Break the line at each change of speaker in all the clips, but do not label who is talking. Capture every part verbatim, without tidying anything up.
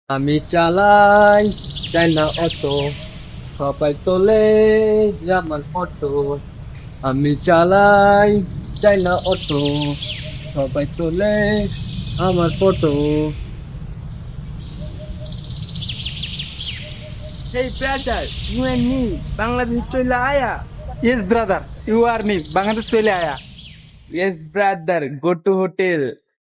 আমি চালাই চাইনা অটো, সবাই তোলে আমার ফটো। আমি চালাই চাইনা অটো, সবাই তোলে আমার photo.
Hey brother, you and me, Bangladesh চলে আয়া।
Yes, brother. You are me. Bangladesh চলে আয়া।
Yes brother, go to hotel.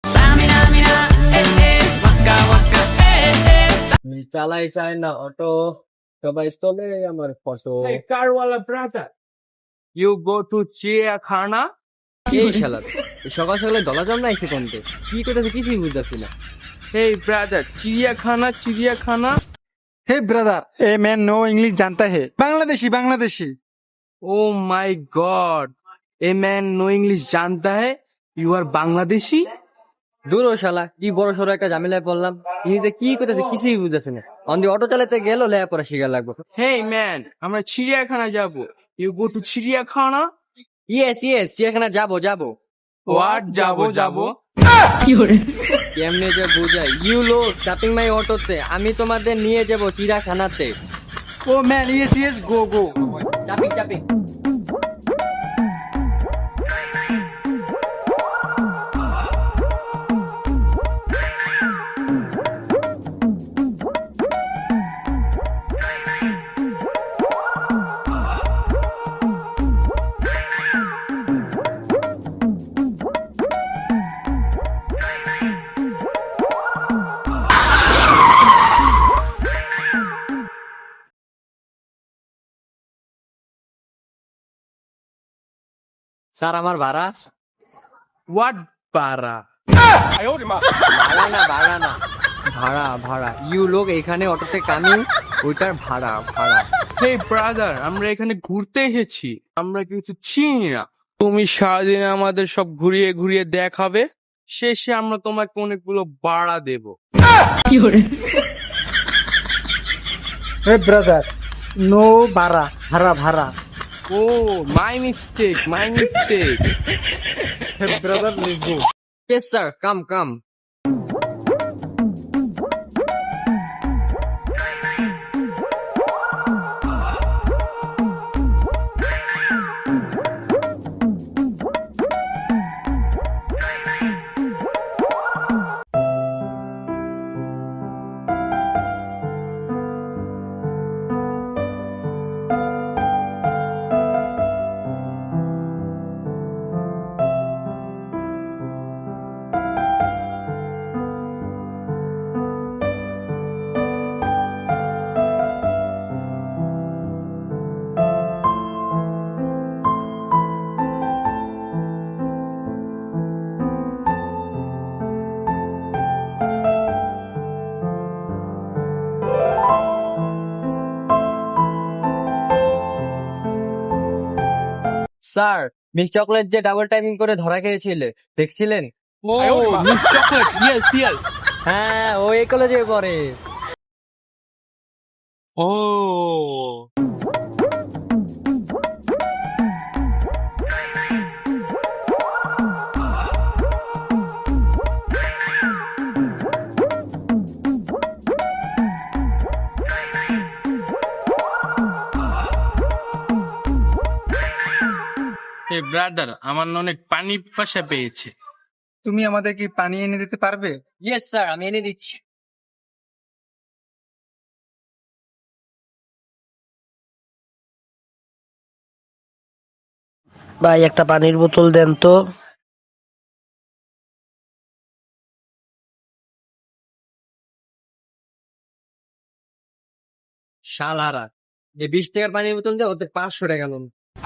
আমি চালাই চাইনা অটো, সবাই তোলে আমার photo.
Hey carwala brother, you go to চিড়িয়াখানা।
এই শালা সকাল সকালে দলা জমনা আইছে কোনতে, কি করতেছে কিছুই বুঝতেছি না।
Hey brother, চিড়িয়াখানা চিড়িয়াখানা।
Hey, brother. A man no English जानता है। Bangladeshi Bangladeshi.
Oh my god, a man no English জানতা है, you are বাংলাদেশি।
দূর ও শালা, কি বড় সড়ো একটা ঝামেলায় পড়লাম। ইনিতে কি করতেছে কিছুই বুঝতেছি না। অন্দি অটো চালাতে গেল লেয়া পরে শিখা লাগবে।
Hey man, আমরা চিড়িয়াখানা যাব, you go to চিড়িয়াখানা।
ইয়েস ইয়েস, চিড়িয়াখানা যাবো যাবো।
What যাবো যাবো?
কেমনে যে বুঝাই, ইউ লোক চাপিং মাই অটোতে, আমি তোমাদের নিয়ে যাবো চিড়িয়াখানাতে।
Oh man, yes yes, go go.
চাপিং চাপিং। স্যার আমার ভাড়া।
What para?
ভাড়া না ভাড়া না, ভাড়া ভাড়া। ইউ লোক এখানে অটোতে কামিং, ওইটার ভাড়া ভাড়া।
Hey brother, আমরা এখানে ঘুরতে এসেছি, আমরা কিছু চিনি না। তুমি সারাদিন আমাদের সব ঘুরিয়ে ঘুরিয়ে দেখাবে, শেষে আমরা তোমাকে অনেকগুলো ভাড়া দেব।
Hey, brother. No ভাড়া ভাড়া ভাড়া।
Oh my mistake my mistake.
Hey, brother, let's go.
Yes sir, come come. Sir, miss chocolate যে ডাবল টাইমিং করে ধরা খেয়েছিলে দেখছিলেন?
Oh miss chocolate, yes yes.
হ্যাঁ, ও এই কলেজে পড়ে।
ও হে ব্রাদার, আমার না অনেক পানি পিপাসা পেয়েছে।
তুমি আমাদের কি পানি এনে দিতে পারবে?
ইয়েস স্যার, আমি এনে দিচ্ছি।
ভাই একটা পানির বোতল দেন তো।
শালারা, এই বিশ টাকার পানির বোতল দিয়ে ওদের পাঁচশো টাকা লোন।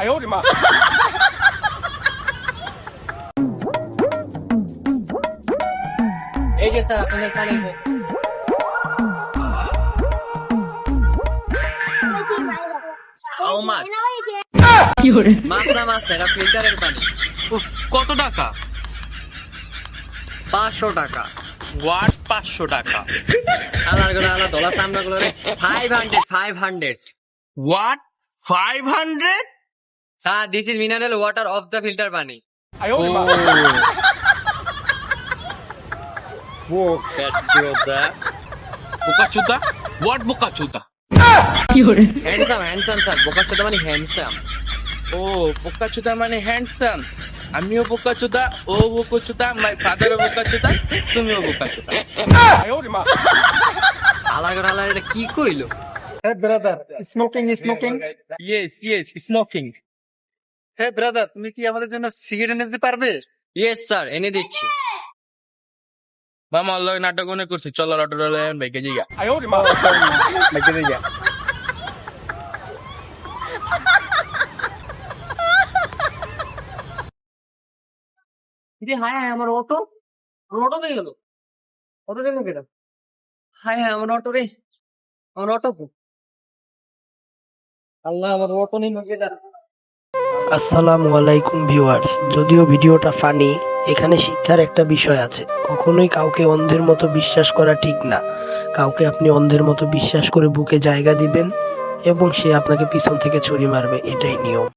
এই যে স্যার আপনাদের পানির বোতল। How much? মাছ না মাছ না, এটা ফিল্টারের পানি।
উফ, কত টাকা?
পাঁচশো টাকা।
ওয়াট পাঁচশো টাকা?
আলার গুলো আলাদা দলা সামনা গুলো রে five hundred five hundred.
What five hundred?
Sir, this is mineral water of the filter pani.
Oh
ও পেট্রোদা।
বোকা চোদা? হোয়াট বোকা চোদা?
হ্যান্ডসাম হ্যান্ডসাম স্যার, বোকা চোদা মানে হ্যান্ডসাম।
ও বোকা চোদা মানে হ্যান্ডসাম। আমিও বোকা চোদা, ও বোকা চোদা, মাই ফাদারও বোকা চোদা, তুমিও বোকা চোদা।
আলার ঘর আলার, এটা কি কইলো?
Hey brother, smoking smoking.
Yes yes, smoking.
Hey brother, তুমি কি আমাদের জন্য সিগারেট এনে দিতে পারবে?
ইয়েস স্যার, এনে দিচ্ছি।
মামা আল্লাহ নাটক মনে করছে, চলো অটো বাইকে জিগা।
নাকি দিগা?
রে হায় হায়, আমার অটো, আমার অটো দিয়ে গেল। অটো গেল কেটা? হায় হায়, আমার অটো রে, আমার অটো কো? আল্লাহ, আমার অটো নেই কেটা?
আসসালামু আলাইকুম ভিউয়ার্স। যদিও ভিডিওটা ফানি, এখানে শিক্ষার একটা বিষয় আছে। কখনোই কাউকে অন্ধের মতো বিশ্বাস করা ঠিক না। কাউকে আপনি অন্ধের মতো বিশ্বাস করে বুকে জায়গা দিবেন এবং সে আপনাকে পিছন থেকে ছুরি মারবে, এটাই নিয়ম।